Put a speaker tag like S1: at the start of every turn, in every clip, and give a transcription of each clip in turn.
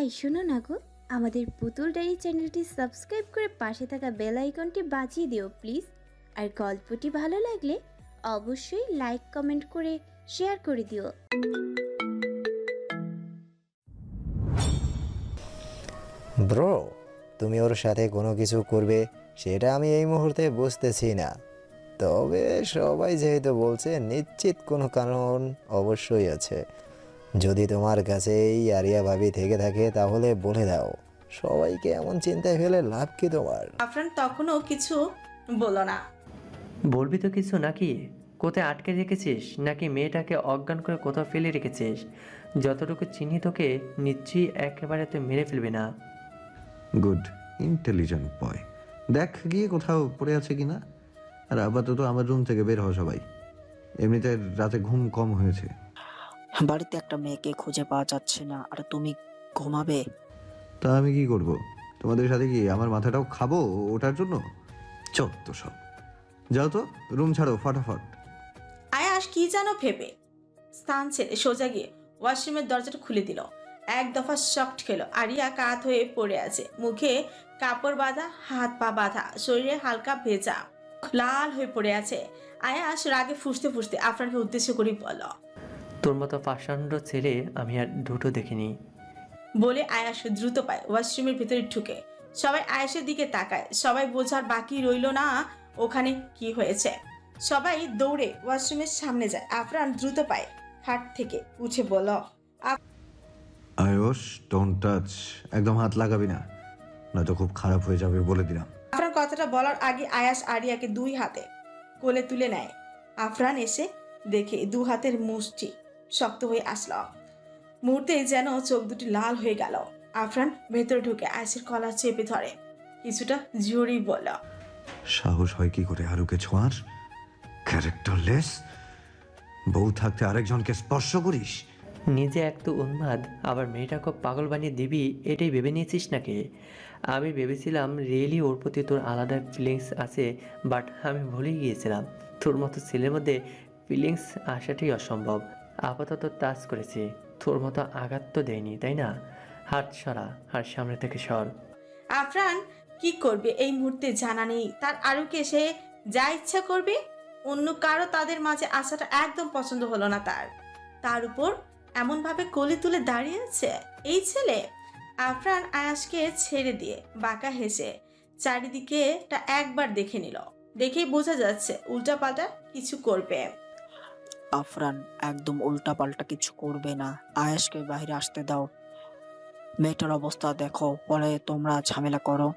S1: এই শোনো না গো, আমাদের পুতুল ডায়েরি চ্যানেলটি সাবস্ক্রাইব করে পাশে থাকা বেল আইকনটি বাজিয়ে দিও প্লিজ। আর গল্পটি ভালো লাগলে অবশ্যই লাইক কমেন্ট করে শেয়ার করে দিও।
S2: ব্রো, তুমি ওর সাথে কোনো কিছু করবে সেটা আমি এই মুহূর্তে বুঝতেছি না। তবে সবাই যেহেতু বলছে, নিশ্চিত কোনো কারণ অবশ্যই আছে। যদি তোমার কাছে এই আরিয়া ভাবি থেকে থাকে তাহলে বলে দাও। সবাইকে এমন চিন্তায় ফেলে লাভ কি তোমার?
S3: আফরান তখনও কিছু বলল না।
S4: বলবি তো কিছু নাকি? কোথায় আটকে রেখেছিস নাকি মেয়েটাকে অজ্ঞান করে কোথাও ফেলে রেখেছিস? যতটুকু চিনি তোকে নিশ্চয়ই একেবারে তুই মেরে ফেলবি না।
S5: Good, intelligent boy. দেখ গিয়ে কোথাও পড়ে আছে কিনা। আর আপাতত আমার রুম থেকে বের হও সবাই। এমনিতে রাতে ঘুম কম হয়েছে।
S6: বাড়িতে একটা মেয়েকে খুঁজে পাওয়া যাচ্ছে না, আর তুমি ঘুমাবে?
S5: তা আমি কি করব? তোমাদের সাথে কি আমার মাথাটাও খাবো ওটার জন্য? চত্ব সব। যাও তো, রুম ছাড়ো ফটাফট।
S3: আয়াস কি যেন ভেবে স্থান ছেড়ে সোজা গিয়ে ওয়াশরুমের দরজাটা খুলে দিল। এক দফা শক্ট খেলো। আরিয়া কাত হয়ে পড়ে আছে, মুখে কাপড় বাঁধা, হাত পা বাঁধা, শরীরে হালকা ভেজা, লাল হয়ে পড়ে আছে। আয়াস রাগে ফুঁসতে ফুঁসতে আফরানকে উদ্দেশ্য করে বলল,
S4: তোর মতো পাষাণ্ড ছেলে আমি আর দুটো দেখিনি।
S3: বলে আয়াস দ্রুত পায় ওয়াশরুমের ভিতরে ঢুকে। সবাই আয়াসের দিকে তাকায়। সবাই বোঝার বাকি রইল না ওখানে কি হয়েছে। সবাই দৌড়ে ওয়াশরুমের সামনে যায়। আফরান দ্রুত পায় খাট থেকে উঠে বলল,
S5: আয়ুষ, ডোন্ট টাচ। একদম হাত লাগাবি না, নয়তো খুব খারাপ হয়ে যাবে বলে দিলাম।
S3: আফরান কথাটা বলার আগে আয়াস আরিয়াকে দুই হাতে কোলে তুলে নেয়। আফরান এসে দেখে দু হাতের মুষ্টি শক্ত হয়ে আসলো। মুহূর্তেই যেন চোখ দুটি লাল হয়ে গেল। আফরান ভেতরে ঢুকে আয়াসের কলার চেপে ধরে, কিছুটা জোরেই বলল,
S5: সাহস হয় কি করে আরুকে ছোঁয়ার? ক্যারেক্টারলেস। বউ থাকতে আরেকজনকে স্পর্শ করিস?
S4: নিজে এক তো উন্মাদ, আবার মেয়েটাকে পাগল বানিয়ে দিবি এটাই ভেবে নিয়েছিস নাকি? আমি ভেবেছিলাম রিয়েলি ওর প্রতি তোর আলাদা ফিলিংস আছে, বাট আমি ভুলেই গিয়েছিলাম তোর মতো ছেলের মধ্যে ফিলিংস আসাটাই অসম্ভব। আপাতত টাচ করেছি, তোর মতো আঘাত তো দেয়নি, তাই না? হাত সরা, আর সামনে থেকে সর।
S3: আফরান কি করবে এই মুহূর্তে জানা নেই তার। আরুকে সে যা ইচ্ছা করবে, অন্য কারো তাদের মাঝে আসাটা একদম পছন্দ হলো না তার। তার উপর এমন ভাবে কোলে তুলে দাঁড়িয়ে আছে এই ছেলে। আফরান আয়াসকে ছেড়ে দিয়ে বাঁকা হেসে চারিদিকেটা একবার দেখে নিল। দেখেই বোঝা যাচ্ছে উল্টাপাল্টা কিছু করবে।
S6: আফরান একদম উল্টা পাল্টা কিছু করবে না। আয়েশকে বাইরে আসতে দাও। মেয়েটার অবস্থা দেখো, পরে তোমরা ঝামেলা করো।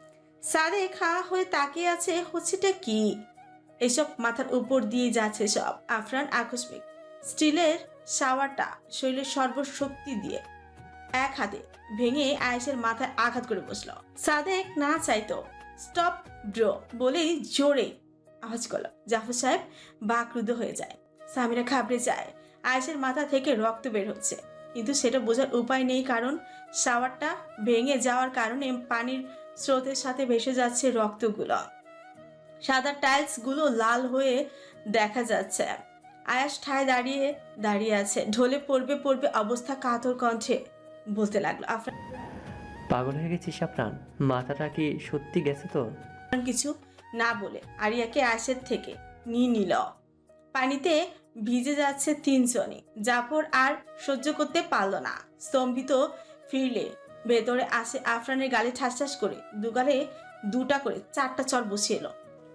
S3: সাদেক হা হয়ে তাকিয়ে আছে, হচ্ছেটা কি এসব? মাথার উপর দিয়ে যাচ্ছে সব। আফরান আকস্মিক স্টিলের শাওয়ারটা শরীরের সর্বশক্তি দিয়ে এক হাতে ভেঙে আয়েশের মাথায় আঘাত করে বসলো। সাদেক না চাইতো স্টপ ব্রো বলেই জোরে আওয়াজ করলো। জাফর সাহেব বাকরুদ্ধ হয়ে যায়। সামিরা ঘাবড়ে যায়। আয়েশের মাথা থেকে রক্ত বের হচ্ছে, কিন্তু সেটা বোঝার উপায় নেই, কারণ শাওয়ারটা ভেঙে যাওয়ার কারণে পানির স্রোতের সাথে ভেসে যাচ্ছে রক্তগুলো। সাদা টাইলস গুলো লাল হয়ে দেখা যাচ্ছে। আয়াস ঠায় দাঁড়িয়ে দাঁড়িয়ে আছে, ঢলে পড়বে পড়বে অবস্থা, কাতর কণ্ঠে বলতে লাগলো। আফরান
S4: পাগল হয়ে গেছিস আফরান? মাথাটা কি সত্যি গেছে তো?
S3: কিছু না বলে আরিয়াকে আয়াসের থেকে নিয়ে নিল। পানিতে ভিজে যাচ্ছে তিনজনই। জাফর আর সহ্য করতে পারল না, স্তম্ভিত ফিরলে ভেতরে আসে। আফরানের গালে ঠাস ঠাস করে দুগালে দুটা করে চারটা চর বসিয়ে এলো।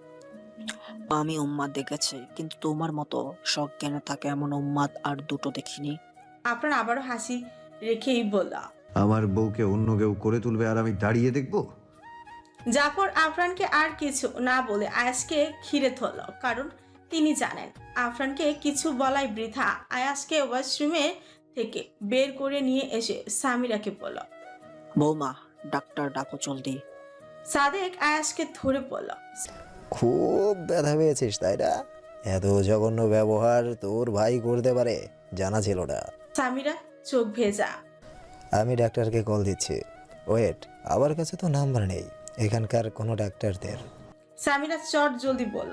S6: আমি উম্মাদ দেখেছি, কিন্তু তোমার মতো সজ্ঞানে থাকে এমন উম্মাদ আর দুটো দেখিনি।
S3: আফরান আবারও হাসি রেখেই বলল,
S5: আমার বউকে অন্য কেউ করে তুলবে আর আমি দাঁড়িয়ে দেখবো?
S3: জাফর আফরানকে আর কিছু না বলে আয়াসকে ঘিরে ধরল, কারণ তিনি জানেন আফরানকে কিছু বলাই বৃথা। আয়াসকে ওয়াশরুমে থেকে বের করে নিয়ে এসে সামিরাকে বলল,
S6: বৌমা, ডাক্তার ডাকো জলদি।
S3: সাদেক আয়াসকে ধরে বলল,
S2: খুব ব্যথা পেয়েছিস তাই না? এত জঘন্য ব্যবহার তোর ভাই করতে পারে জানা ছিল না।
S3: সামিরা চোখ ভেজা।
S2: আমি ডাক্তারকে কল দিচ্ছি। ওয়েট, আমার কাছে তো নাম্বার নেই এখানকার কোনো ডাক্তারদের।
S3: সামিরা চট জলদি বলল।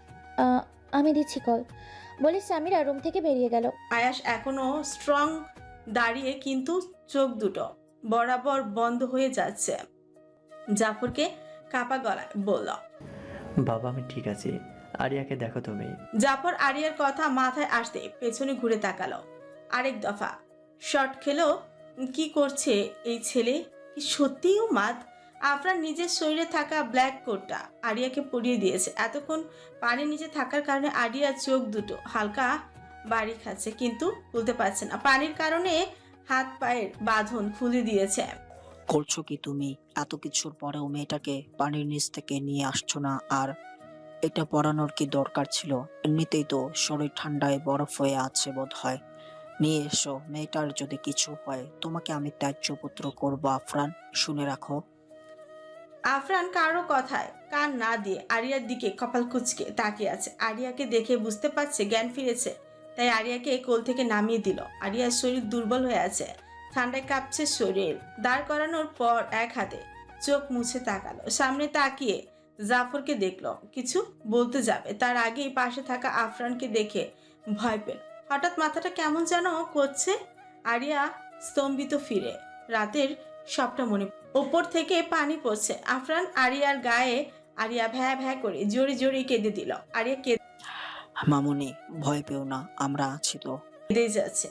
S1: আমি দিচ্ছি কল, বলে সামিরা রুম থেকে বেরিয়ে গেল।
S3: আয়াস এখনো স্ট্রং দাঁড়িয়ে, কিন্তু চোখ দুটো বরাবর বন্ধ হয়ে যাচ্ছে। জাফরকে কাপা গলায় বলল।
S4: বাবা আমি ঠিক আছি, আরিয়াকে দেখো তুমি।
S3: জাফর আরিয়ার কথা মাথায় আসতে পেছনে ঘুরে তাকালো। আরেক দফা শট খেলো। কি করছে এই ছেলে? কি সত্যিই উন্মাদ? আফরান নিজের শরীরে থাকা ব্ল্যাক কোটটা আরিয়াকে পরিয়ে দিয়েছে। এতক্ষণ পানির নিচে থাকার কারণে আরিয়ার চোখ দুটো হালকা বাড়ি খাচ্ছে, কিন্তু খুলতে পারছে না। পানির কারণে হাত পায়ের বাঁধন খুলে দিয়েছে।
S6: করছো কি তুমি? এত কিছুর পরেও মেয়েটাকে পানির নিচ থেকে নিয়ে আসছো না? আর এটা পরানোর কি দরকার ছিল? এমনিতেই তো শরীর ঠান্ডায় বরফ হয়ে আছে বোধ হয়। নিয়ে এসো, মেয়েটার যদি কিছু হয় তোমাকে আমি ত্যায্য পুত্র করবো আফরান, শুনে রাখো।
S3: আফরান কারো কথায় কান না দিয়ে আরিয়ার দিকে কপাল কুঁচকে তাকিয়ে আছে। আরিয়াকে দেখে বুঝতে পারছে জ্ঞান ফিরেছে, তাই আরিয়াকে কোল থেকে নামিয়ে দিল। আরিয়ার শরীর দুর্বল হয়ে আছে, ঠান্ডায় কাঁপছে শরীর। দাঁড় করানোর পর এক হাতে চোখ মুছে তাকালো। সামনে তাকিয়ে জাফরকে দেখলো, কিছু বলতে যাবে তার আগেই পাশে থাকা আফরানকে দেখে ভয় পেল। হঠাৎ মাথাটা কেমন যেন করছে। আরিয়া স্তম্ভিত ফিরে। রাতের সবটা মনে, ওপর থেকে পানি পড়ছে আফরান আরিয়ার গায়ে। আরিয়া ভ্যা ভ্যা করে জোরে জোরে কেঁদে দিল। আরিয়া
S6: মামুনি, ভয় পেও না, আমরা আছি তো।
S3: কেঁদে যাচ্ছে।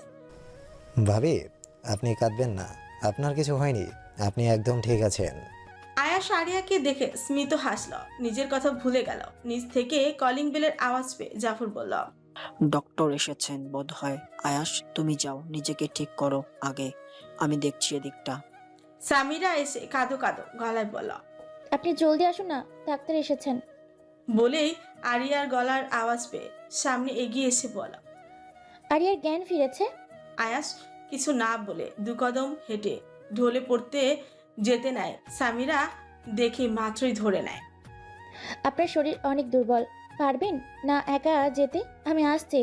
S2: ভাবি, আপনি কাঁদবেন না, আপনার কিছু হয়নি, আপনি একদম ঠিক আছেন।
S3: আয়াস আরিয়াকে দেখে স্মিত হাসল, নিজের কথা ভুলে গেল। নিচ থেকে কলিং বেলের আওয়াজ পেয়ে জাফর বলল।
S6: ডক্টর এসেছেন বোধ হয়। আয়াস, তুমি যাও, নিজেকে ঠিক করো আগে, আমি দেখছি এদিকটা।
S3: সামিরা এসে কাঁদো কাঁদো গলায় বলল।
S1: আপনি জলদি আসুন না, ডাক্তার এসেছেন।
S3: বলেই আরিয়ার গলার আওয়াজ পেয়ে সামনে এগিয়ে এসে বলল।
S1: আরিয়ার জ্ঞান ফিরেছে।
S3: আয়াস কিছু না বলে দু কদম হেঁটে ঢলে পড়তে যেতে নেয়। সামিরা দেখে মাত্রই ধরে নেয়।
S1: আপনার শরীর অনেক দুর্বল, পারবেন না একা যেতে? আমি আসছি।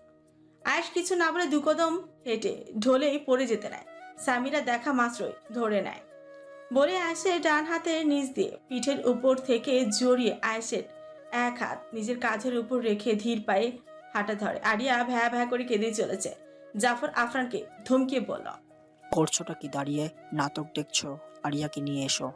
S3: আয়াস কিছু না বলে দু কদম হেঁটে ঢলেই পড়ে যেতে নেয়। সামিরা দেখা মাত্রই ধরে নেয়। বলে আয়েশের ডান হাতের নিচ দিয়ে পিঠের উপর থেকে জড়িয়ে আয়েশের এক হাত নিজের কাঁধের উপর রেখে ধীর পায়ে হাঁটা ধরে। আরিয়া ভ্যা ভ্যা করে কেঁদে চলেছে। জাফর আফরানকে ধমকিয়ে বলল।
S6: করছোটা কি দাঁড়িয়ে? নাটক দেখছো? আরিয়াকে নিয়ে এসো।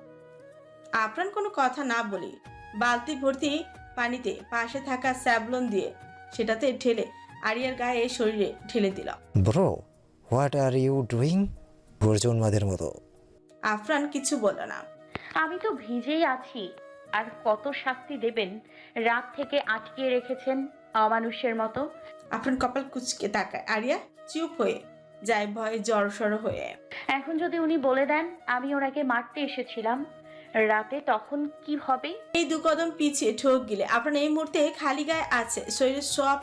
S3: আফরান কোনো কথা না বলি বালতি ভর্তি পানিতে পাশে থাকা স্যাবলন দিয়ে সেটাতে ঢেলে আরিয়ার গায়ে শরীরে ঢেলে দিল।
S2: Bro, what are you doing? গর্জনমাদের মতো।
S3: আফরান কিছু বলল না।
S7: আমি তো ভিজেই আছি, আর কত শাস্তি দেবেন? রাত থেকে আটকিয়ে রেখেছেন অমানুষের মতো।
S3: আফরান কপাল কুঁচকে তাকায়। আরিয়া চুপ হয়ে যায় ভয়ে জড়সড় হয়ে।
S7: এখন যদি উনি বলে দেন আমি ওনাকে মারতে এসেছিলাম রাতে, তখন কি হবে?
S3: এই দু কদম পিছিয়ে ঠোক গিলে আফরান এই মুহূর্তে খালি গায়ে আছে। শরীরের সব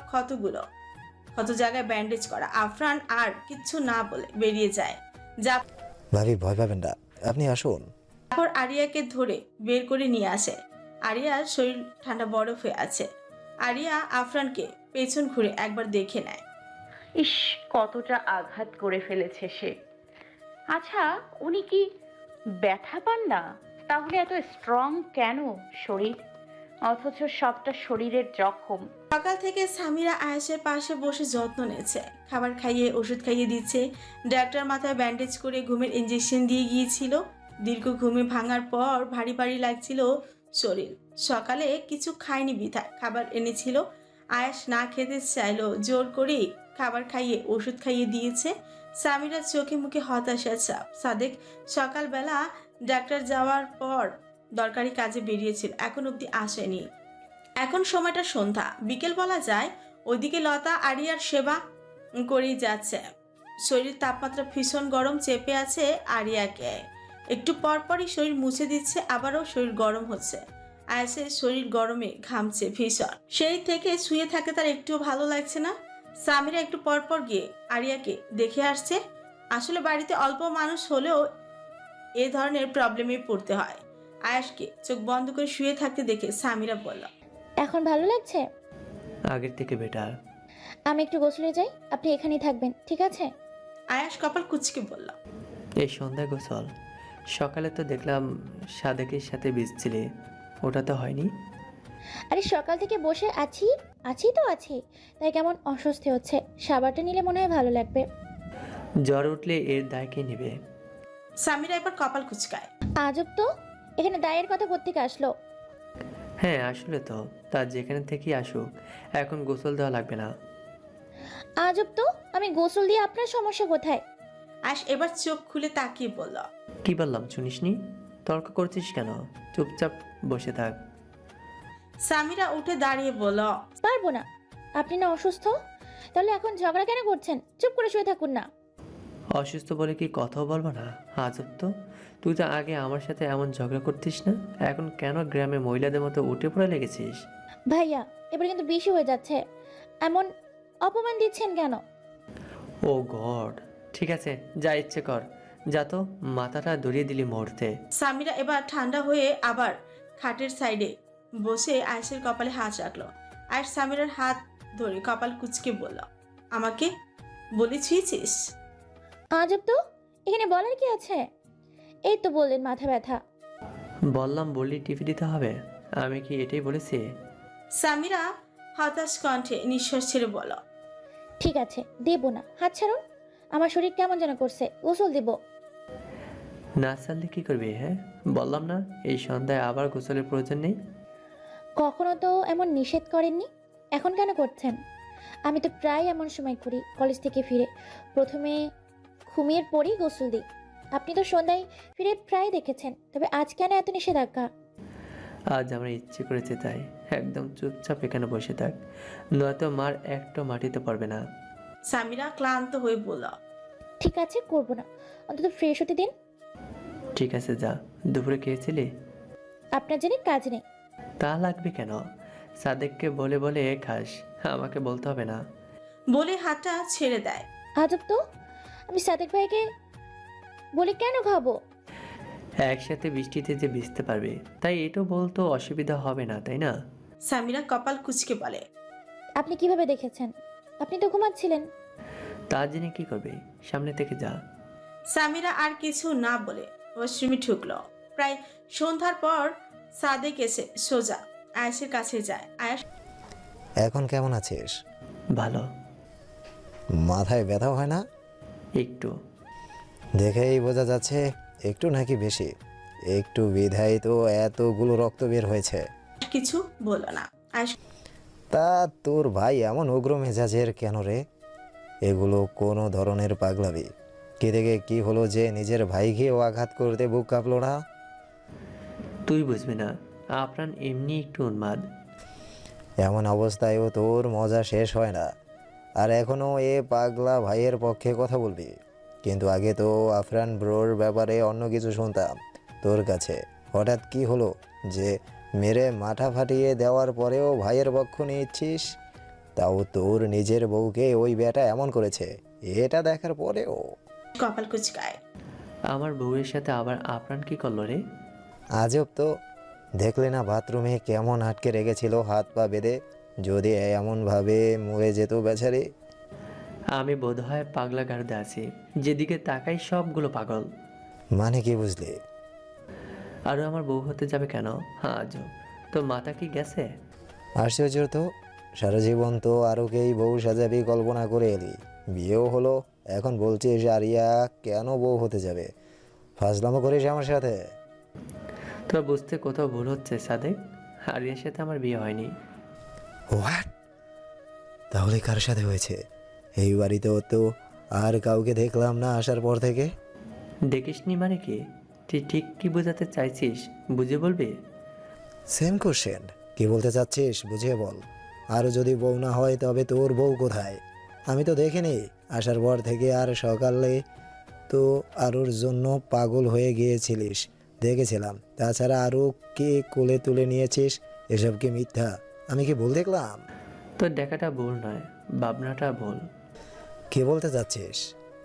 S3: ক্ষত জায়গায় ব্যান্ডেজ করা। আফরান আর কিচ্ছু না বলে বেরিয়ে যায়।
S2: ভাবি, ভয় পাবেন না, আপনি আসুন।
S3: জাফর আরিয়াকে ধরে বের করে নিয়ে আসে। আরিয়ার শরীর ঠান্ডা বরফ হয়ে আছে। আরিয়া আফরানকে পেছন ঘুরে একবার দেখে নেয়।
S7: ইস, কতটা আঘাত করে ফেলেছে সে। আচ্ছা, উনি কি ব্যথা পান না? তাহলে এত স্ট্রং কেন শরীর, অথচ সবটা শরীরের জখম।
S3: সকাল থেকে সামিরা আয়েশের পাশে বসে যত্ন নিচ্ছে, খাবার খাইয়ে ওষুধ খাইয়ে দিচ্ছে। ডাক্তার মাথায় ব্যান্ডেজ করে ঘুমের ইঞ্জেকশন দিয়ে গিয়েছিল। দীর্ঘ ঘুমে ভাঙার পর ভারী ভারী লাগছিল শরীর। সকালে কিছু খায়নি বিধায় খাবার এনেছিল। আয়েশ না খেতে চাইলো, জোর করেই খাবার খাইয়ে ওষুধ খাইয়ে দিয়েছে। সামিরার চোখে মুখে হতাশা ছাপ। সাদেক সকালবেলা ডাক্তার যাওয়ার পর দরকারি কাজে বেরিয়েছিল, এখন অবধি আসেনি। এখন সময়টা সন্ধ্যা বিকেল বলা যায়। ওইদিকে লতা আরিয়ার সেবা করেই যাচ্ছে। শরীর তাপমাত্রা ভীষণ গরম চেপে আছে আরিয়াকে। একটু পরপরই শরীর মুছে দিচ্ছে, আবারও শরীর গরম হচ্ছে। আয়াসের শরীর গরমে ঘামছে ভীষণ। সেই থেকে শুয়ে থাকে তার একটুও ভালো লাগছে না। সামিরা একটু পরপর গিয়ে আরিয়াকে দেখে আসছে। আসলে বাড়িতে অল্প মানুষ হলেও এ ধরনের প্রবলেমে পড়তে হয়। আয়াসকে চোখ বন্ধ করে শুয়ে থাকতে দেখে সামিরা বলল।
S1: এখন ভালো লাগছে?
S4: আগের থেকে বেটার।
S1: আমি একটু গোসলে যাই, আপনি এখানেই থাকবেন, ঠিক আছে?
S3: আয়াস কপাল কুচকে বলল।
S4: এই সন্ধ্যায় গোসল? সকালে তো দেখলাম সাদেকের সাথে ভিজছিলে, ওটা তো হয়নি?
S1: আরে সকাল থেকে বসে আছি তো আছি, তাই কেমন অস্বস্তি হচ্ছে। সাবারটা নিলে মনে হয় ভালো লাগবে।
S4: জ্বর উঠলে এর দায় কে নেবে?
S3: সামিরা এবার কপাল কুচকায়।
S8: আজব তো, এখানে দায়ের কথা কোত্থেকে আসলো?
S4: হ্যাঁ আসলে তো, তা যেখানে থেকেই আসুক, এখন গোসল দেওয়া লাগবে না।
S8: আজব তো, আমি গোসল দিয়ে আপনার সমস্যা কোথায়?
S3: আয়াস এবার চোখ খুলে তাকিয়ে বলল,
S4: কি বললাম শুনিসনি? তর্ক করছিস কেন? চুপচাপ বসে থাক।
S3: সামিরা উঠে দাঁড়িয়ে বলল,
S8: পারবো না। আপনি না অসুস্থ? তাহলে এখন ঝগড়া কেন করছেন? চুপ করে শুয়ে থাকুন না।
S4: অসুস্থ বলে কি কথাও বলবো না? আজব তো, তুই তো আগে আমার সাথে এমন ঝগড়া করতিস না, এখন কেন গ্রামে মহিলাদের মতো উঠে পড়ে লেগেছিস?
S8: ভাইয়া, এবার কিন্তু বেশি হয়ে যাচ্ছে। এমন অপমান দিচ্ছেন কেন?
S4: ও গড, ঠিক আছে যা ইচ্ছে কর, যা তো, মাথাটা ধরিয়ে দিলি মুহূর্তে।
S3: সামিরা এবার ঠান্ডা হয়ে আবার খাটের সাইডে বসে আয়েশের কপালে হাত রাখলো। আয়েশ সামিরার হাত ধরে কপাল কুচকে বলল, আমাকে বলে ছুঁয়েছিস?
S8: আজব তো, এখানে বলার কি আছে? এই তো বললেন মাথা ব্যথা।
S4: বললাম বললি টিভি দিতে হবে, আমি কি এটাই বলেছি?
S3: সামিরা হতাশ কণ্ঠে নিঃশ্বাস ছেড়ে বলল,
S8: ঠিক আছে, দেব না। হাত ছাড়ুন। আমার শরীর কেমন যেন করছে, গোসল দেব।
S4: না ছাড়লে কি করবি? হ্যাঁ বললাম না এই সন্ধ্যায় আবার গোসলের প্রয়োজন নেই।
S8: কখনো তো এমন নিষেধ করেননি, এখন কেন করছেন? আমি তো প্রায় এমন সময় করি, কলেজ থেকে ফিরে প্রথমে ঘুমিয়ে পরেই গোসল দিই। আপনি তো সন্ধ্যায় ফিরে প্রায় দেখেছেন, তবে আজ কেন এত নিষেধাজ্ঞা?
S4: আজ আমার ইচ্ছে করেছে তাই। একদম চুপচাপ এখানে বসে থাক, নয়তো মার একটা মাটিতে পারবে না।
S3: সামিরা ক্লান্ত হয়ে বলল,
S8: ঠিক আছে, করব না, অন্তত ফ্রেশ হতে দিন।
S4: ঠিক আছে যা। দুপুরে খেয়েছিলি?
S8: আপনার জানি কাজ নেই।
S4: তা লাগবে কেন? সাদেককে বলে বলে খাস, আমাকে বলতে হবে না।
S3: বলে হাতটা ছেড়ে দেয়।
S8: আজব তো, আমি সাদেক ভাইকে বলে কেন খাবো?
S4: একসাথে বৃষ্টিতে যে ভিজতে পারবে, তাই এটাও বলতো অসুবিধা হবে না, তাই না?
S3: সামিরা কপাল কুচকে বলে,
S8: আপনি কিভাবে দেখেছেন? আপনি তো ঘুমাচ্ছিলেন।
S4: তা জেনে কি করবে? সামনে থেকে যা।
S3: সামিরা আর কিছু না বলে ওয়াশরুমে ঢুকলো। প্রায় সন্ধ্যার পর সাদেক এসে সোজা আয়েশের কাছে যায়। আয়েশ
S2: এখন কেমন আছিস?
S4: ভালো।
S2: মাথায় ব্যথা হয় না?
S4: একটু।
S2: দেখেই বোঝা যাচ্ছে একটু নাকি বেশি। একটু বিধায় তো এতগুলো রক্ত বের হয়েছে।
S3: কিছু বলল না। আয়েশ
S2: তা তোর ভাই এমন উগ্র মেজাজের কেন রে? এগুলো কোনো ধরনের পাগলামি? কে থেকে কি হলো যে নিজের ভাইকেও আঘাত করতে বুক কাঁপলো না?
S4: তুই বুঝবি না, আপনার এমনি একটু উন্মাদ।
S2: এমন অবস্থায়ও তোর মজা শেষ হয় না, আর এখনও এ পাগলা ভাইয়ের পক্ষে কথা বলবি? কিন্তু আগে তো আফরান ব্রোর ব্যাপারে অন্য কিছু শুনতাম তোর কাছে। হঠাৎ কি হলো যে মেরে মাথা ফাটিয়ে দেওয়ার পরেও ভাইয়ের পক্ষ নিচ্ছিস? তাও তোর নিজের বউকে ওই বেটা এমন করেছে, এটা দেখার পরেও?
S3: কপাল কুচকায়।
S4: আমার বউয়ের সাথে আবার আপনার কি করলো রে?
S2: আজব তো, দেখলে না বাথরুমে কেমন আটকে রেখেছিল হাত পা বেঁধে? যদি এমনভাবে মরে যেত বেচারি।
S4: আমি বোধহয় পাগলা গারদে আছি, যেদিকে তাকাই সবগুলো পাগল।
S2: মানে কি বুঝলি?
S4: আরও আমার বউ হতে যাবে কেন? আজব, তোর মাথা কি গেছে?
S2: আশ্চর্য তো, সারা জীবন তো আরোকেই বউ সাজাবি কল্পনা করে এলি, বিয়েও হলো, এখন বলছিস আরিয়া কেন বউ হতে যাবে? ফাজলামো করিস আমার সাথে?
S4: তোর বুঝতে কোথাও ভুল হচ্ছে সাদেক, আরিয়ার সাথে আমার বিয়ে হয়নি।
S2: হোয়াট? তাহলে কার সাথে হয়েছে? এই বাড়িতেও তো আর কাউকে দেখলাম না আসার পর থেকে।
S4: দেখিসনি মানে কি? তুই ঠিক কি বোঝাতে চাইছিস, বুঝে বলবি?
S2: সেম কোশ্চেন, কি বলতে চাচ্ছিস বুঝিয়ে বল। আর যদি বউ না হয় তবে তোর বউ কোথায়? আমি তো দেখিনি আসার পর থেকে, আর সকালে তো আরুর জন্য পাগল হয়ে গিয়েছিলিস দেখেছিলাম। তাছাড়া আরও কে কোলে তুলে নিয়েছিস? এসব কি মিথ্যা? আমি কি ভুল দেখলাম?
S4: তোর দেখাটা ভুল নয়, ভাবনাটা ভুল।
S2: কি বলতে চাচ্ছিস?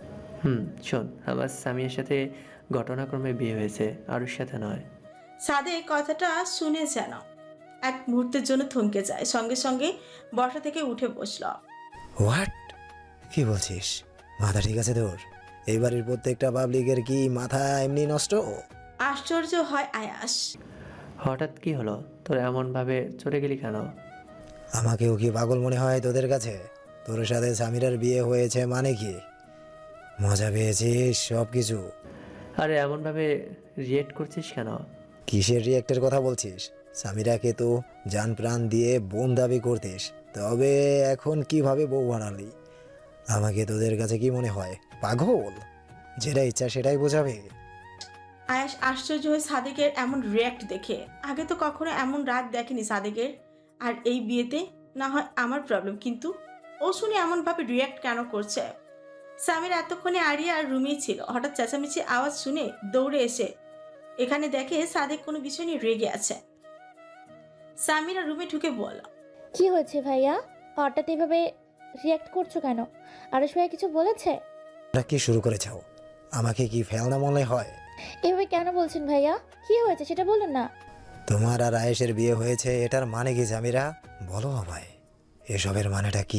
S4: শোন, আমার স্বামীর সাথে ঘটনাক্রমে বিয়ে হয়েছে, আরুর সাথে নয়।
S3: সাদেক কথাটা শুনে যেন এক মুহূর্তের জন্য থমকে যায়, সঙ্গে সঙ্গে বসা থেকে উঠে বসল।
S2: হোয়াট? কি বলছিস? মাথা ঠিক আছে তোর? এই বাড়ির প্রত্যেকটা পাবলিকের কি মাথা এমনি নষ্ট?
S3: আশ্চর্য হয় আয়াস।
S4: হঠাৎ কি হলো তোর, এমনভাবে চলে গেলি কেন?
S2: আমাকেও কি পাগল মনে হয় তোদের কাছে? তোর সাথে সামিরার বিয়ে হয়েছে মানে কি? মজা পেয়েছিস সব কিছু?
S4: আরে এমনভাবে রিয়েক্ট করছিস কেন?
S2: কিসের রিয়েক্টের কথা বলছিস? সামিরাকে তো জান প্রাণ দিয়ে বোন দাবি করতিস, তবে এখন কিভাবে বউ বানালি? আমাকে তোদের কাছে কি মনে হয়, পাগল? যেটা ইচ্ছা সেটাই বোঝাবে?
S3: আয়াস আশ্চর্য হয়ে সাদেকের এমন রিয়াক্ট দেখে। আগে তো কখনো এমন রাগ দেখেনি সাদেকের। আর এই বিয়েতে না হয় আমার প্রবলেম, কিন্তু ও শুনে এমনভাবে রিয়াক্ট কেন করছে? সামির এতক্ষণে আরিয়ার রুমেই ছিল। হঠাৎ চেঁচামেচি আওয়াজ শুনে দৌড়ে এসে এখানে দেখে সাদেক কোনো বিষয় নিয়ে রেগে আছে। সামিরা রুমে ঢুকে বলল,
S8: কি হয়েছে ভাইয়া? হঠাৎ এভাবে রিয়াক্ট করছো কেন? আরশ ভাইয়া কিছু বলেছে?
S2: তোরা কি শুরু করেছ? আমাকে কি ফেলনা মনে হয়?
S8: এভাবে কেন বলছেন ভাইয়া? কি হয়েছে সেটা বলুন না।
S2: তোমার আর আয়েশের বিয়ে হয়েছে, এটার মানে কি সামিরা? বলো আমায়, এসবের মানেটা কি?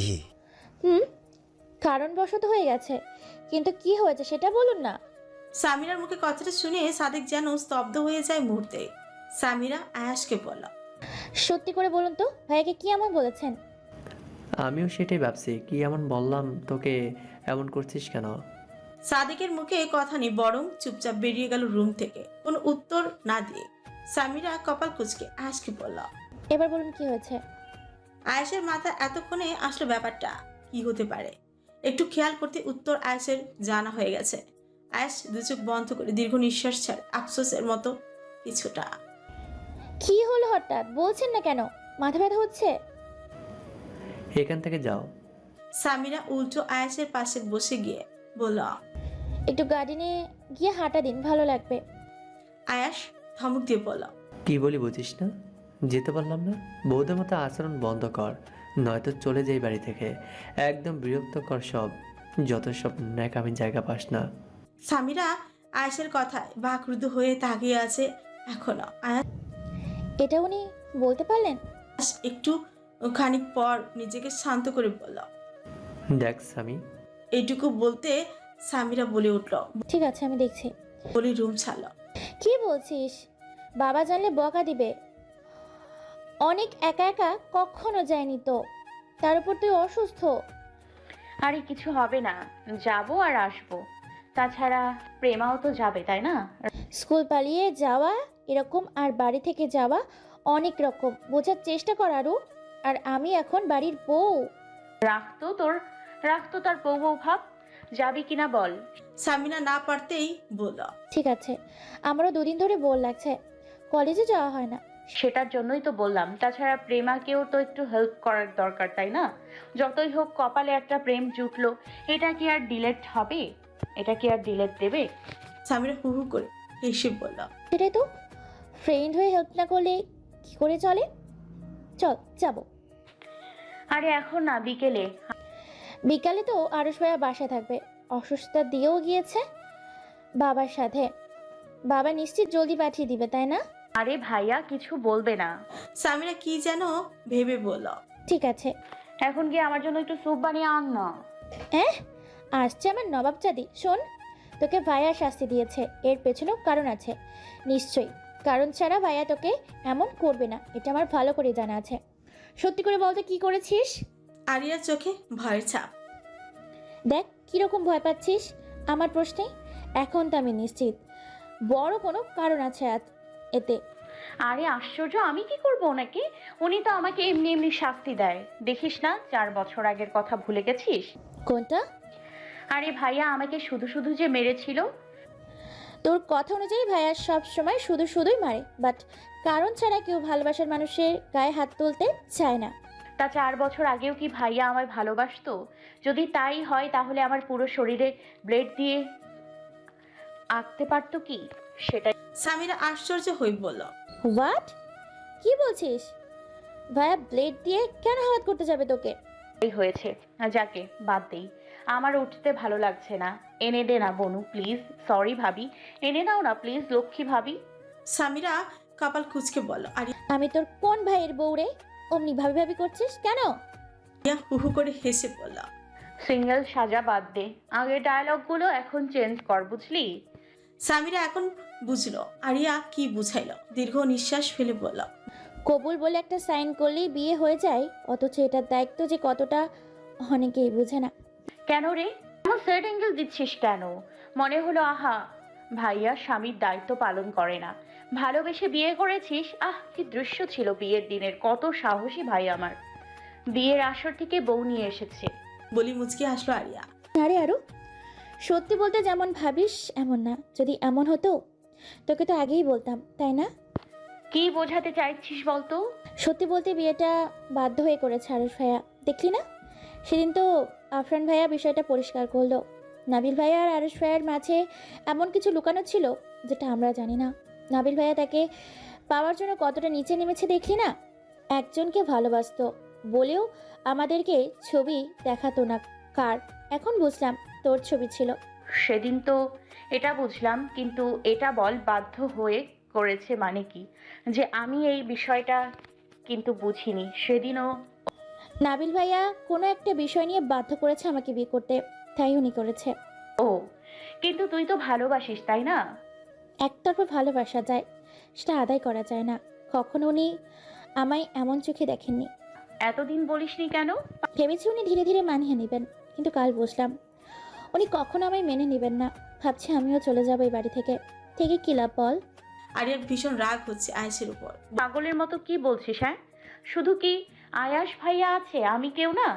S8: কারণবশত হয়ে গেছে, কিন্তু কি হয়েছে সেটা বলুন না।
S3: সামিরার মুখে কথাটা শুনে সাদেক যেন স্তব্ধ হয়ে যায় মুহূর্তে। সামিরা আয়াসকে বলল,
S8: সত্যি করে বলুন তো, ভাইয়াকে কি এমন বলেছেন?
S4: আমিও সেটাই ভাবছি, কি এমন বললাম তোকে, এমন করছিস কেন?
S3: সাদেকের মুখে কথা নেই, বরং চুপচাপ বেরিয়ে গেল রুম থেকে কোনো উত্তর না দিয়ে। সামিরা কপাল কুঁচকে আয়াসকে বলল,
S8: এবার বলুন কি হয়েছে।
S3: আয়েশের মাথা এতক্ষণে আসলো ব্যাপারটা কি হতে পারে। একটু খেয়াল করতে উত্তর আয়েশের জানা হয়ে গেছে। আয়েশ দু চোখ বন্ধ করে দীর্ঘ নিঃশ্বাস ছাড়ে, আফসোসের মতো কিছুটা।
S8: কি হলো হঠাৎ, বলছেন না কেন? মাথা ব্যথা হচ্ছে?
S4: এখান থেকে যাও।
S3: সামিরা উল্টো আয়েশের পাশে বসে গিয়ে বলল,
S8: একটু গার্ডেনে গিয়ে হাঁটা দিন, ভালো লাগবে।
S3: আয়াস ধমক দিয়ে বলল,
S4: কি বলি বুঝিস না? যেতে পারলাম না? বৌদের মতো আচরণ বন্ধ কর, নয়তো চলে যাই বাড়ি থেকে। একদম বিরক্তকর সব, যত সব ন্যাকামি জায়গা পাস না।
S3: সামিরা আয়েশের কথায় বাকরুদ্ধ হয়ে তাকিয়ে আছে এখনো। আয়াস
S8: এটা উনি বলতে পারলেন?
S3: একটু খানিক পর নিজেকে শান্ত করে বলল।
S4: দেখ স্বামী,
S3: এইটুকু বলতে সামিরা বলে উঠল,
S8: ঠিক আছে, আমি দেখছি।
S3: বলে রুম ছাড়ল।
S8: কি বলছিস? বাবা জানলে বকা দিবে। অনেক একা একা কখনো যায়নি তো, তার উপর তুই অসুস্থ।
S7: আরে কিছু হবে না, যাব আর আসবো। তাছাড়া প্রেমাও তো যাবে, তাই না?
S8: স্কুল পালিয়ে যাওয়া এরকম, আর বাড়ি থেকে যাওয়া অনেক রকম, বোঝার চেষ্টা কর আরু। আর আমি এখন বাড়ির বউ।
S7: রাখতো তার বউ বউ ভাব। যাবি কিনা বল।
S3: সামিরা না পারতেই বলল,
S8: ঠিক আছে, আমারও দুদিন ধরে বোর লাগছে, কলেজে যাওয়া হয় না।
S7: সেটার জন্যই তো বললাম। তাছাড়া প্রেমাকেও তো একটু হেল্প করার দরকার, তাই না? যতই হোক কপালে একটা প্রেম জুটলো, এটা কি আর ডিলেট হবে? এটা কি আর ডিলেট দেবে?
S3: সামিরা হু হু করে হেসে বলল,
S8: সেটাই তো, ফ্রেন্ড হয়ে হেল্প না করলে কি করে চলে? চল যাবো।
S7: আরে এখন না, বিকেলে।
S8: বিকালে তো আরশ ভাইয়া বাসায় থাকবে, অসুস্থতা দিয়েও গিয়েছে বাবার সাথে। বাবা নিশ্চিত জলদি পাঠিয়ে দিবে, তাই না?
S7: আরে ভাইয়া কিছু বলবে না।
S3: সামিরা কি যেন ভেবে বলল,
S8: ঠিক আছে।
S7: এখন গিয়ে আমার জন্য একটু স্যুপ বানিয়ে আন না।
S8: আসছে আমার নবাবজাদি। শোন, তোকে ভাইয়া শাস্তি দিয়েছে, এর পেছনেও কারণ আছে নিশ্চয়ই। কারণ ছাড়া ভাইয়া তোকে এমন করবে না, এটা আমার ভালো করে জানা আছে। সত্যি করে বলতে কি করেছিস?
S3: আরিয়ার চোখে ভয়ের ছাপ।
S8: দেখ কিরকম ভয় পাচ্ছিস আমার প্রশ্নে। এখন তো আমি নিশ্চিত বড় কোনো কারণ আছে এতে।
S7: আরে আশ্চর্য, আমি কি করব ওনাকে? উনি তো আমাকে এমনি এমনি শাস্তি দেয়। দেখিস না, 4 বছর আগের কথা ভুলে গেছিস?
S8: কোনটা?
S7: আরে ভাইয়া আমাকে শুধু শুধু যে মেরেছিল।
S8: তোর কথা অনুযায়ী ভাইয়া সব সময় শুধু শুধুই মারে, বাট কারণ ছাড়া কেউ ভালোবাসার মানুষের গায়ে হাত তুলতে চায় না।
S7: তা 4 বছর আগেও কি ভাইয়া আমায় ভালোবাসতো? যদি তাই হয় তাহলে আমার পুরো শরীরে ব্লেড দিয়ে আঁকতে পারতো কি? সেটাই।
S3: সামিরা আশ্চর্য হয়ে বলল,
S8: হোয়াট? কি বলছিস? ভাইয়া ব্লেড দিয়ে কেন আঘাত করতে যাবে তোকে?
S7: হয়েছে, যাকে বাদ দেই। আমার উঠতে ভালো লাগছে না। এনে দে না বনু প্লিজ। সরি ভাবি, এনে দাও না প্লিজ লক্ষ্মী ভাবি।
S3: সামিরা কপাল কুঁচকে বলল। আরিয়া
S8: আমি তোর কোন ভাইয়ের বউ রে? অমনি ভাবি ভাবি করছিস কেন?
S3: হু হু করে হেসে বলল,
S7: সিঙ্গেল সাজা বাদ দে, আগের ডায়লগগুলো এখন চেঞ্জ কর, বুঝলি?
S3: সামিরা এখন বুঝলো আরিয়া কি বুঝাইলো। দীর্ঘ নিঃশ্বাস ফেলে বলল,
S8: কবুল বলে একটা সাইন করলেই বিয়ে হয়ে যায়, অথচ এটার দায়িত্ব যে কতটা অনেকেই বুঝে না।
S7: কেন রে, এমন সেট অ্যাঙ্গেল দিচ্ছিস কেন? মনে হলো আহা ভাইয়া স্বামীর দায়িত্ব পালন করে না। ভালোবেসে বিয়ে করেছিস, আহ কি দৃশ্য ছিল বিয়ের দিনের, কত সাহসী ভাই আমার। বিয়ের আসর থেকে বউ নিয়ে এসেছে।
S3: বলি মুচকি হাসলো আরিয়া।
S8: আরে আরও সত্যি বলতে যেমন ভাবিস এমন না। যদি এমন হতো তোকে তো আগেই বলতাম, তাই না?
S7: কি বোঝাতে চাইছিস বলতো?
S8: সত্যি বলতে বিয়েটা বাধ্য হয়ে করেছে আরুষ ভাইয়া, দেখলি না? সেদিন তো আফরান ভাইয়া বিষয়টা পরিষ্কার করলো। নাবিল ভাইয়া আর আরুষ ভাইয়ার মাঝে এমন কিছু লুকানো ছিল যেটা আমরা জানি না। নাবিল ভাইয়া তাকে পাওয়ার জন্য কতটা নিচে নেমেছে দেখলি না? একজনকে ভালোবাসতো বলেও আমাদেরকে ছবি দেখাতো না কার। এখন বুঝলাম তোর ছবি ছিল।
S7: সেদিন তো এটা বুঝলাম, কিন্তু এটা বল বাধ্য হয়ে করেছে মানে কি? যে আমি এই বিষয়টা কিন্তু বুঝিনি সেদিনও।
S8: নাবিল ভাইয়া কোনো একটা বিষয় নিয়ে বাধ্য করেছে আমাকে বিয়ে করতে, তাই উনি করেছে।
S7: ও, কিন্তু তুই তো ভালোবাসিস তাই না?
S8: একতরফা ভালোবাসা যায়, সেটা আদায় করা যায় না। কখনো উনি আমায় এমন চোখে দেখেননি।
S7: এতদিন বলিসনি কেন?
S8: ভেবেছি উনি ধীরে ধীরে মানিয়ে নেবেন, কিন্তু কাল বুঝলাম উনি কখনো আমায় মেনে নেবেন না। ভাবছি আমিও চলে যাবো এই বাড়ি থেকে। থেকে কি লাভ বল?
S3: আরিয়ার ভীষণ রাগ হচ্ছে আয়েশের উপর।
S7: পাগলের মতো কি বলছিস? হ্যাঁ, শুধু কি আয়াস ভাইয়া আছে, আমি কেউ না?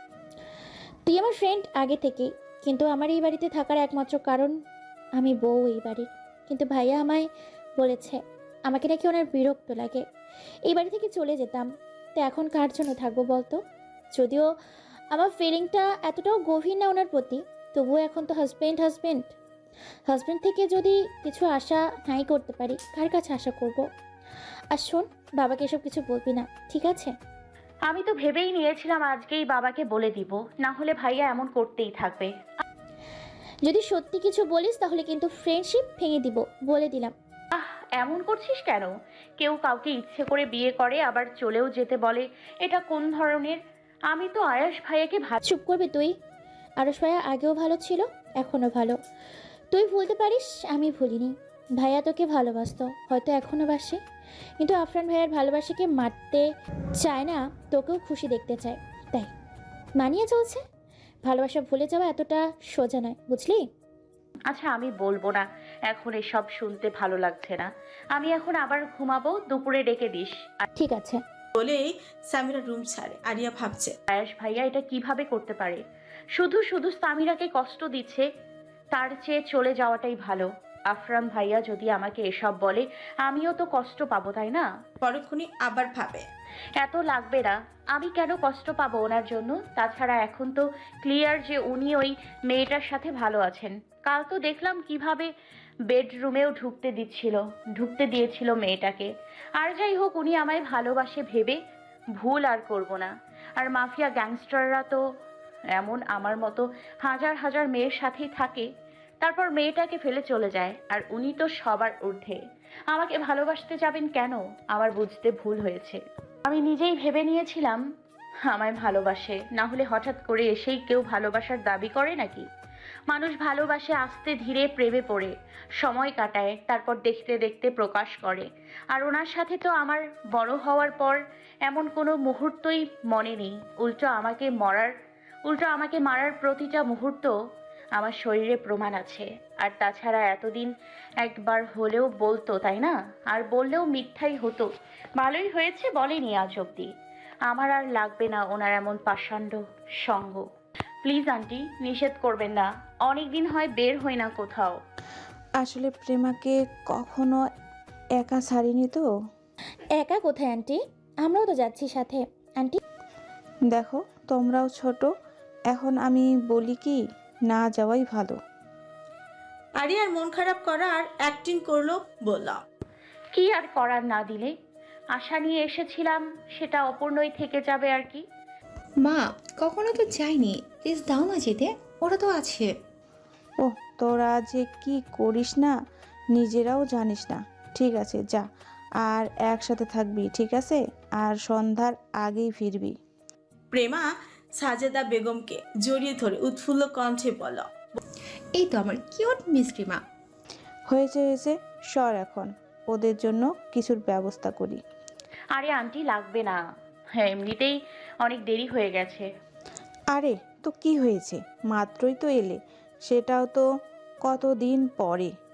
S8: তুই আমার ফ্রেন্ড আগে থেকেই, কিন্তু আমার এই বাড়িতে থাকার একমাত্র কারণ আমি বউ এই বাড়ির। কিন্তু ভাইয়া আমায় বলেছে আমাকে নাকি ওনার বিরক্ত লাগে, এই বাড়ি থেকে চলে যেতাম। তো এখন কার জন্য থাকবো বলতো? যদিও আমার ফিলিংটা এতটাও গভীর না ওনার প্রতি, তবুও এখন তো হাজব্যান্ড হাজব্যান্ড হাজব্যান্ড থেকে যদি কিছু আশা নাই করতে পারি, কার কাছে আশা করব? আর শোন, বাবাকে এসব কিছু বলবি না, ঠিক আছে?
S7: আমি তো ভেবেই নিয়েছিলাম আজকেই বাবাকে বলে দিব, না হলে ভাইয়া এমন করতেই থাকবে।
S8: যদি সত্যি কিছু বলিস তাহলে কিন্তু ফ্রেন্ডশিপ ভেঙে দিব, বলে দিলাম।
S7: আহ, এমন করছিস কেন? কেউ কাউকে ইচ্ছে করে বিয়ে করে আবার চলেও যেতে বলে, এটা কোন ধরনের? আমি তো আয়াস ভাইয়াকে
S8: চুপ করবে তুই? আরশ ভাইয়া আগেও ভালো ছিল, এখনও ভালো। তুই ভুলতে পারিস, আমি ভুলিনি। ভাইয়া তোকে ভালোবাসতো, হয়তো এখনও বাসে, কিন্তু আফরান ভাইয়ার ভালোবাসাকে মারতে চায় না, তোকেও খুশি দেখতে চায়, তাই মানিয়ে চলছে। ভালোবাসা ভুলে যাওয়া এতটা সোজা নয়, বুঝলি?
S7: আচ্ছা, আমি বলবো না, এখন এসব শুনতে ভালো লাগছে না। আমি এখন আবার ঘুমাবো, দুপুরে ডেকে দিস।
S8: ঠিক আছে।
S3: বলেই সামিরা রুম ছাড়ে। আরিয়া ভাবছে
S7: আয়াস ভাইয়া এটা কিভাবে করতে পারে? শুধু শুধু সামিরাকে কষ্ট দিচ্ছে, তার চেয়ে চলে যাওয়াটাই ভালো। আফরাম ভাইয়া যদি আমাকে এসব বলে, আমিও তো কষ্ট পাবো, তাই না?
S3: পরক্ষণই আবার ভাবে
S7: এত লাগবে না, আমি কেন কষ্ট পাবো ওনার জন্য? তাছাড়া এখন তো ক্লিয়ার যে উনি ওই মেয়েটার সাথে ভালো আছেন। কাল তো দেখলাম কিভাবে বেডরুমেও ঢুকতে দিয়েছিল মেয়েটাকে। আর যাই হোক, উনি আমায় ভালোবাসে ভেবে ভুল আর করব না। আর মাফিয়া গ্যাংস্টাররা তো এমন, আমার মতো হাজার হাজার মেয়ের সাথেই থাকে, তারপর মেয়েটাকে ফেলে চলে যায়। আর উনি তো সবার ঊর্ধ্বে, আমাকে ভালোবাসতে যাবেন কেন? আমার বুঝতে ভুল হয়েছে। আমি নিজেই ভেবে নিয়েছিলাম আমায় ভালোবাসে, না হলে হঠাৎ করে এসেই কেউ ভালোবাসার দাবি করে নাকি? মানুষ ভালোবাসে আস্তে ধীরে, প্রেমে পড়ে সময় কাটায়, তারপর দেখতে দেখতে প্রকাশ করে। আর ওনার সাথে তো আমার বড় হওয়ার পর এমন কোনো মুহূর্তই মনে নেই। উল্টো আমাকে মারার প্রতিটা মুহূর্ত আমার শরীরে প্রমাণ আছে। আর তাছাড়া এতদিন একবার হলেও বলতো, তাই না? আর বললেও মিথ্যাই হতো। ভালোই হয়েছে বলেনি আজ অব্দি। আমার আর লাগবে না ওনার এমন পাষাণ্ড সঙ্গ। প্লিজ আন্টি, নিষেধ করবেন না, অনেক দিন হয় বের হই না কোথাও।
S9: আসলে প্রেমাকে কখনো একা ছাড়িনি তো।
S8: একা কোথায় আন্টি? আমরাও তো যাচ্ছি সাথে। আন্টি
S9: দেখো, তোমরাও ছোট, এখন আমি বলি কি, না যাওয়াই ভালো।
S3: আরিয়ার মন খারাপ করার অ্যাক্টিং করলো, বললাম
S7: কি আর করার, না দিলে আশা নিয়ে এসেছিলাম, সেটা অপূর্ণই থেকে যাবে আর কি।
S10: মা, কখনো তো যাইনি, প্লিজ দাও না যেতে, ওরা তো আছে।
S9: ও, তোরা যে কি করিস না নিজেরাও জানিস না। ঠিক আছে, যা, আর একসাথে থাকবি, ঠিক আছে? আর সন্ধ্যার আগেই ফিরবি।
S3: প্রেমা সাজেদা বেগমকে জড়িয়ে ধরে উৎফুল্ল কণ্ঠে বলল,
S10: এই তো আমার কিউট মিষ্টি মা।
S9: হয়েছে হয়েছে, সর, এখন ওদের জন্য কিছুর ব্যবস্থা করি।
S7: আরে আন্টি, লাগবে না, হ্যাঁ এমনিতেই অনেক দেরি হয়ে গেছে।
S9: আরে তো কি হয়েছে, মাত্রই তো এলে, সেটাও তো কতদিন পরে।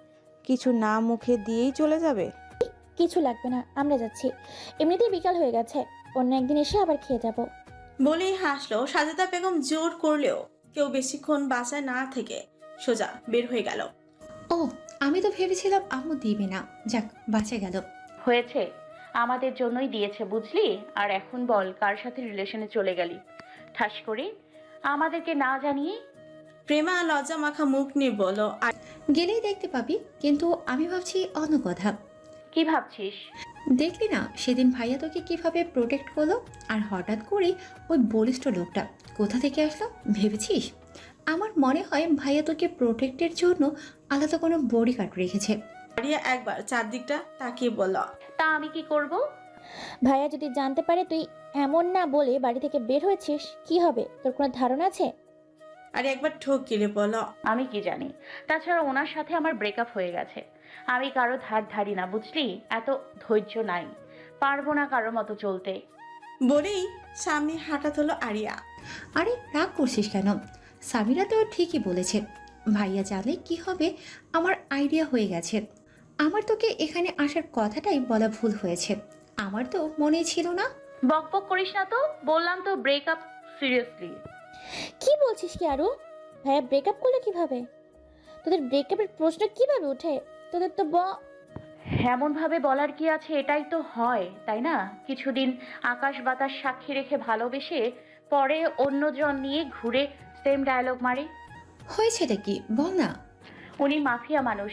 S9: কিছু না মুখে দিয়েই চলে যাবে?
S8: কিছু লাগবে না, আমরা যাচ্ছি। এমনিতেই বিকাল হয়ে গেছে, অন্য একদিন এসে আবার খেয়ে যাব।
S3: বলেই হাসলো। সাজেদা বেগম জোর করলেও কেউ বেশিক্ষণ বাসায় না থেকে সোজা বের হয়ে গেল।
S10: ও, আমি তো ভেবেছিলাম আম্মু দিবে না। যাক, বাঁচে গেল।
S7: হয়েছে, আমাদের জন্যই দিয়েছে বুঝলি। আর এখন বল, কার সাথে রিলেশনে চলে গেলি ঠাস করে আমাদেরকে না জানিয়ে?
S3: প্রেমা লজ্জা মাখা মুখ নিয়ে বলল,
S10: গেলেই দেখতে পাবি, কিন্তু আমি ভাবছি অন্য কথা।
S7: কি ভাবছিস?
S10: দেখলি না সেদিন ভাইয়া তোকে কিভাবে প্রোটেক্ট করলো, আর হঠাৎ করে ওই বলিষ্ঠ লোকটা কোথা থেকে আসলো ভেবেছিস? আমার মনে হয় ভাইয়া তোকে প্রোটেক্টের জন্য আলাদা কোনো বডিগার্ড রেখেছে।
S3: আরিয়া একবার চারদিকটা তাকিয়ে বলল,
S7: তা আমি কি করব?
S8: ভাইয়া যদি জানতে পারে তুই এমন না বলে বাড়ি থেকে বের হয়েছিস, কি হবে তোর কোনো ধারণা আছে?
S3: আরে একবার ঠোক গিলে বলল,
S7: আমি কি জানি? তাছাড়া ওনার সাথে আমার ব্রেকআপ হয়ে গেছে। আমি কারো ধার ধারি না বুঝলি, এত ধৈর্য নাই, পারবো না কারো মতো চলতে।
S3: বলেই সামনে হাঁটা হলো আরিয়া।
S10: আরে রাগ করছিস কেন? সামিরা তো ঠিকই বলেছে, ভাইয়া জানলে কি হবে। আমার আইডিয়া হয়ে গেছে। আমার তোকে এখানে আসার কথাটাই বলা ভুল হয়েছে। আমার তো মনেই ছিল না।
S7: বক বক করিস না তো, বললাম তো ব্রেকআপ। সিরিয়াসলি
S8: কি বলছিস কি আরু? ভাইয়া ব্রেকআপ করলে কিভাবে? তোদের ব্রেকআপের প্রশ্ন কিভাবে ওঠে? তোদের তো
S7: এমন ভাবে বলার কি আছে, এটাই তো হয় তাই না? কিছুদিন আকাশ বাতাস সাক্ষী রেখে ভালোবেসে পরে অন্যজন নিয়ে ঘুরে সেম ডায়লগ মারে।
S10: হয়েছেটা কি বল না।
S7: উনি মাফিয়া মানুষ।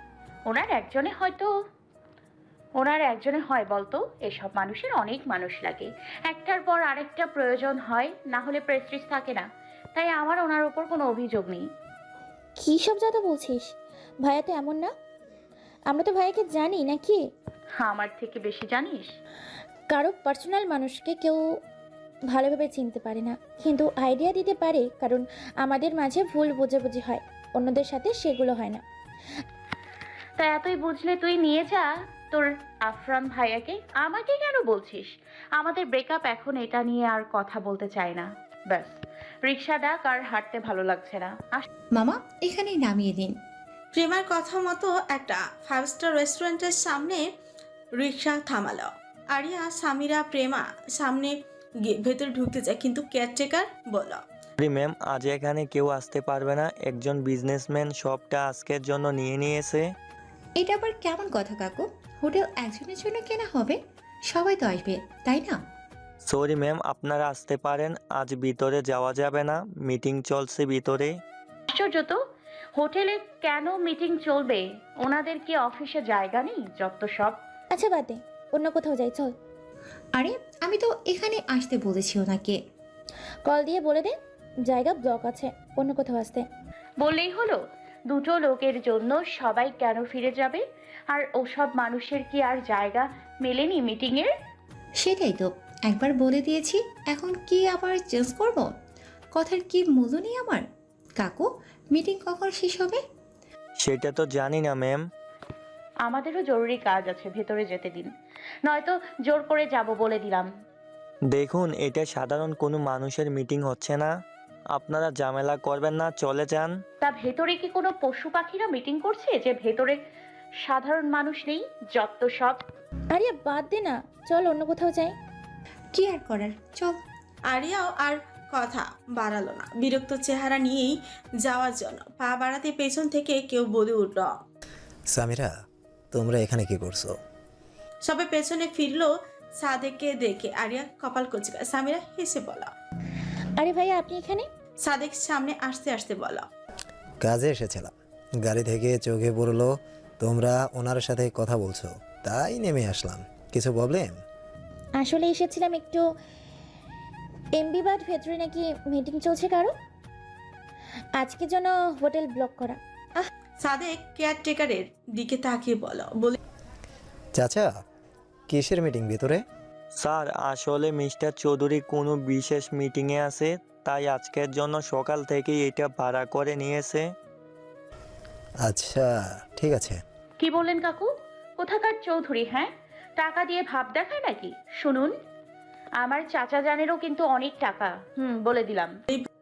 S7: ওনার একজনে হয় বলতো? এসব মানুষের অনেক মানুষ লাগে, একটার পর আরেকটা প্রয়োজন হয়, না হলে প্রেস্টিজ থাকে না। তাই আমার ওনার ওপর কোনো অভিযোগ নেই।
S8: কি সব যাতা বলছিস? ভাইয়া তো এমন না। আমরা তো ভাইয়াকে জানি নাকি?
S7: আমার থেকে বেশি জানিস?
S8: কারো পার্সোনাল মানুষকে কেউ ভালোভাবে চিনতে পারে না, কিন্তু আইডিয়া দিতে পারে, কারণ আমাদের মাঝে ভুল বোঝাবুঝি হয়, অন্যদের সাথে সেগুলো হয় না।
S7: তা এতই বুঝলে তুই নিয়ে যা তোর আফরান ভাইয়াকে। আমাকে কেন বলছিস? আমাদের ব্রেকআপ, এখন এটা নিয়ে আর কথা বলতে চাই না। ব্যাস, রিক্সা ডাক, আর হাঁটতে ভালো লাগছে না।
S10: মামা এখানেই নামিয়ে দিন।
S3: প্রেমার কথা মতো একটা 5 স্টার রেস্টুরেন্টের সামনে রিক্সা থামালো। আরিয়া, সামিরা, প্রেমা সামনে গিয়ে ভেতরে ঢুকতে যায়, কিন্তু কেয়ারটেকার বলল,
S11: সরি ম্যাম, আজ এখানে কেউ আসতে পারবে না। একজন বিজনেসম্যান সবটা আজকের জন্য নিয়ে নিয়েছে।
S10: এটা আবার কেমন কথা কাকু? হোটেল একজনের জন্য কেনা হবে, সবাই তো আসবে তাই না?
S11: সরি ম্যাম, আপনারা আসতে পারেন। আজ ভিতরে যাওয়া যাবে না, মিটিং চলছে ভিতরে।
S7: আশ্চর্য তো, হোটেলে কেন মিটিং চলবে? ওনাদের কি অফিসে জায়গা নেই? যত সব।
S8: আচ্ছা বাদ দে, অন্য কোথাও যাই চল।
S10: আরে আমি তো এখানে আসতে বলেছি ওনাকে।
S8: কল দিয়ে বলে দে জায়গা ব্লক আছে, অন্য কোথাও আসতে।
S7: বললেই হলো? দুটো লোকের জন্য সবাই কেন ফিরে যাবে? আর ওসব মানুষের কি আর জায়গা মেলেনি মিটিংয়ের?
S10: সেটাই তো, একবার বলে দিয়েছি, এখন কি আবার চেঞ্জ করব? কথার কি মূল্য নেই আমার? কাকু, মিটিং কখন শেষ হবে?
S11: সেটা তো জানি না ম্যাম।
S7: আমাদেরও জরুরি কাজ আছে, ভেতরে যেতে দিন, নয়তো জোর করে যাব বলে দিলাম।
S11: দেখুন, এটা সাধারণ কোনো মানুষের মিটিং হচ্ছে না। আপনারা ঝামেলা করবেন না, চলে যান।
S7: তা ভেতরে কি কোনো পশু পাখিরা মিটিং করছে যে ভেতরে সাধারণ মানুষ নেই? যত সব।
S8: আরে বাদ দে না, চল অন্য কোথাও যাই।
S10: কি আর করার, চল।
S3: আরিয়াও আর কথা বাড়ালো না, বিরক্ত চেহারা নিয়েই যাওয়ার জন্য পা বাড়াতে পেছন থেকে কেউ বলে উঠল,
S2: সামিরা, তোমরা এখানে কি করছো?
S3: সবে পেছনে ফিরলো সাদেককে দেখে। আরিয়া কপাল কুচকা। সামিরা হেসে বলল,
S8: আরে ভাইয়া আপনি এখানে?
S3: সাদেক সামনে আসতে আসতে বলল,
S2: কাজে এসেছিলাম, গাড়ি থেকে চোখে পড়লো তোমরা ওনার সাথে কথা বলছো, তাই নেমে আসলাম। কিছু প্রবলেম?
S8: আসলে এসেছিলাম একটু এমবি বাদ, ভেতরে নাকি মিটিং চলছে কারো, আজকের জন্য হোটেল ব্লক করা।
S3: সাদেক কেয়ারটেকারের দিকে তাকিয়ে বলে,
S2: চাচা, কিসের মিটিং ভিতরে?
S11: স্যার, আসলে মিস্টার চৌধুরী কোনো বিশেষ মিটিংয়ে আছে, তাই আজকের জন্য সকাল থেকেই এটা ভাড়া করে নিয়েছে।
S2: আচ্ছা ঠিক আছে।
S7: কি বললেন কাকু? কোথাকার চৌধুরী? হ্যাঁ, টাকা দিয়ে ভাব দেখায় নাকি? শুনুন, আমার চাচা জানেরও কিন্তু অনেক টাকা। বলে দিলাম।